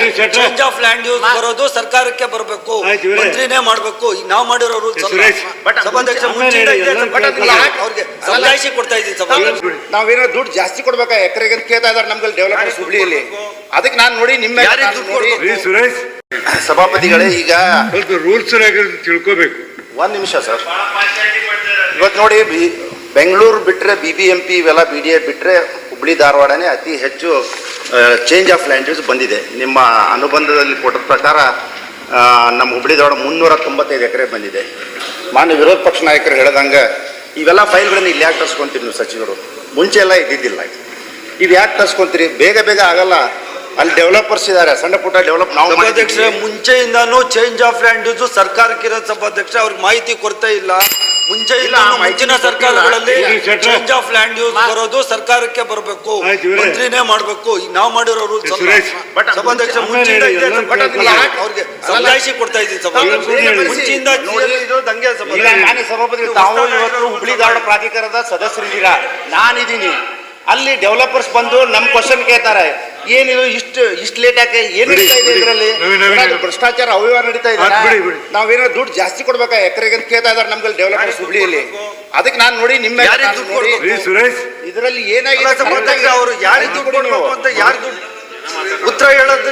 Change of land use ಬರೋದು ಸರ್ಕಾರಕ್ಕೆ ಬರಬೇಕು, ಮಂತ್ರಿನೇ ಮಾಡಬೇಕು. ನಾವು ಮಾಡಿರೋ ರೂಲ್ಸ್ ಸಭಾಧ್ಯಕ್ಷ ಅವ್ರಿಗೆ ಸಮಜಾಯಿಷಿ ಕೊಡ್ತಾ ಇದ್ದೀನಿ. ನಾವೇನೋ ದುಡ್ಡು ಜಾಸ್ತಿ ಕೊಡ್ಬೇಕಾ ಎಕರೆಗೆ ಕೇಳ್ತಾ ಇದಾರೆ ನಮ್ಗೆ ಡೆವಲಪ್ಮೆಂಟ್ ಹುಬ್ಳಿಯಲ್ಲಿ. ಅದಕ್ಕೆ ನಾನು ನೋಡಿ ನಿಮ್ಮ ಸುರೇಶ್ ಸಭಾಪತಿಗಳೇ ಈಗ ರೂಲ್ಸ್ ತಿಳ್ಕೋಬೇಕು. ಒಂದ್ ನಿಮಿಷ ಸರ್. ಇವತ್ತು ನೋಡಿ ಬೆಂಗಳೂರು ಬಿಟ್ರೆ BBMP ಇವೆಲ್ಲ BDA ಬಿಟ್ರೆ ಹುಬ್ಳಿ ಧಾರವಾಡನೇ ಅತಿ ಹೆಚ್ಚು ಚೇಂಜ್ ಆಫ್ ಲ್ಯಾಂಡ್ ಯೂಸ್ ಬಂದಿದೆ. ನಿಮ್ಮ ಅನುಬಂಧದಲ್ಲಿ ಕೊಟ್ಟ ಪ್ರಕಾರ ನಮ್ಮ ಹುಬ್ಳಿ ಧಾರವಾಡ 395 ಎಕರೆ ಬಂದಿದೆ. ಮಾನ್ಯ ವಿರೋಧ ಪಕ್ಷ ನಾಯಕರು ಹೇಳ್ದಂಗೆ ಇವೆಲ್ಲ ಫೈಲ್ಗಳನ್ನು ಇಲ್ಲಿ ಯಾಕೆ ತರ್ಸ್ಕೊಂತೀರಿ ನೀವು ಸಚಿವರು? ಮುಂಚೆ ಎಲ್ಲ ಇದ್ದಿದ್ದಿಲ್ಲ. ಇವು ಯಾಕೆ ತರ್ಸ್ಕೊಂತೀರಿ? ಬೇಗ ಬೇಗ ಆಗಲ್ಲ. ಅಲ್ಲಿ ಡೆವಲಪರ್ಸ್ ಇದ್ದಾರೆ, ಸಣ್ಣ ಪುಟ್ಟ ಡೆವಲಪ್. ನಾವು ಸಭಾಧ್ಯಕ್ಷ ಮುಂಚೆಯಿಂದಾನು ಚೇಂಜ್ ಆಫ್ ಲ್ಯಾಂಡ್ ಯೂಸ್ ಸರ್ಕಾರಕ್ಕೆ ಇರೋ ಸಭಾಧ್ಯಕ್ಷ ಅವ್ರಿಗೆ ಮಾಹಿತಿ ಕೊಡ್ತಾ ಇಲ್ಲ. ಮುಂಚೆ ಇಲ್ಲ, ಮುಂಚಿನ ಸರ್ಕಾರಗಳಲ್ಲಿ ಚೇಂಜ್ ಆಫ್ ಲ್ಯಾಂಡ್ ಯೂಸ್ ಬರೋದು ಸರ್ಕಾರಕ್ಕೆ ಬರಬೇಕು, ಮಂತ್ರಿನೇ ಮಾಡಬೇಕು. ನಾವು ಮಾಡಿರೋ ರೂಲ್ಸ್ ಸಭಾಧ್ಯಕ್ಷ ಅವ್ರಿಗೆ ಸಮಜಾಯಿಷಿ ಕೊಡ್ತಾ ಇದ್ದೀನಿ. ಮುಂಚೆಯಿಂದ ದಂಗೆ ಸಭಾಪತಿ ತಾವು ಇವತ್ತು ಹುಬ್ಳಿ ಧಾರವಾಡ ಪ್ರಾಧಿಕಾರದ ಸದಸ್ಯರಿದ್ದೀರಾ, ನಾನಿದ್ದೀನಿ. ಅಲ್ಲಿ ಡೆವಲಪರ್ಸ್ ಬಂದು ನಮ್ಮ ಕ್ವಶನ್ ಕೇಳ್ತಾರೆ, ಏನಿದು ಇಷ್ಟು ಲೇಟ್ ಯಾಕೆ, ಏನು ನಡೀತಾ ಇದೆ ಇದರಲ್ಲಿ? ಭ್ರಷ್ಟಾಚಾರ ಅವ್ಯವಹಾರ ನಡೀತಾ ಇದೆ. ನಾವೇನೋ ದುಡ್ಡು ಜಾಸ್ತಿ ಕೊಡ್ಬೇಕಾ ಎಕರೆಗೆ ಕೇಳ್ತಾ ಇದಾರೆ ನಮ್ಗೆ ಡೆವಲಪರ್ಸ್ ಹುಬ್ಳಿಯಲ್ಲಿ. ಅದಕ್ಕೆ ನಾನು ನೋಡಿ ನಿಮ್ಮ ಇದರಲ್ಲಿ ಏನಾಗಿದೆ ಅವರು ಯಾರಿಗೆ ದುಡ್ಡು ಕೊಡಬೇಕು ಅಂತ ಯಾರು ದುಡ್ಡು ಉತ್ತರ ಹೇಳೋದು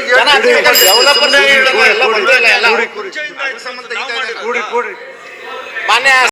ಡೆವಲಪರ್ಸ್ ಮಾನ್ಯ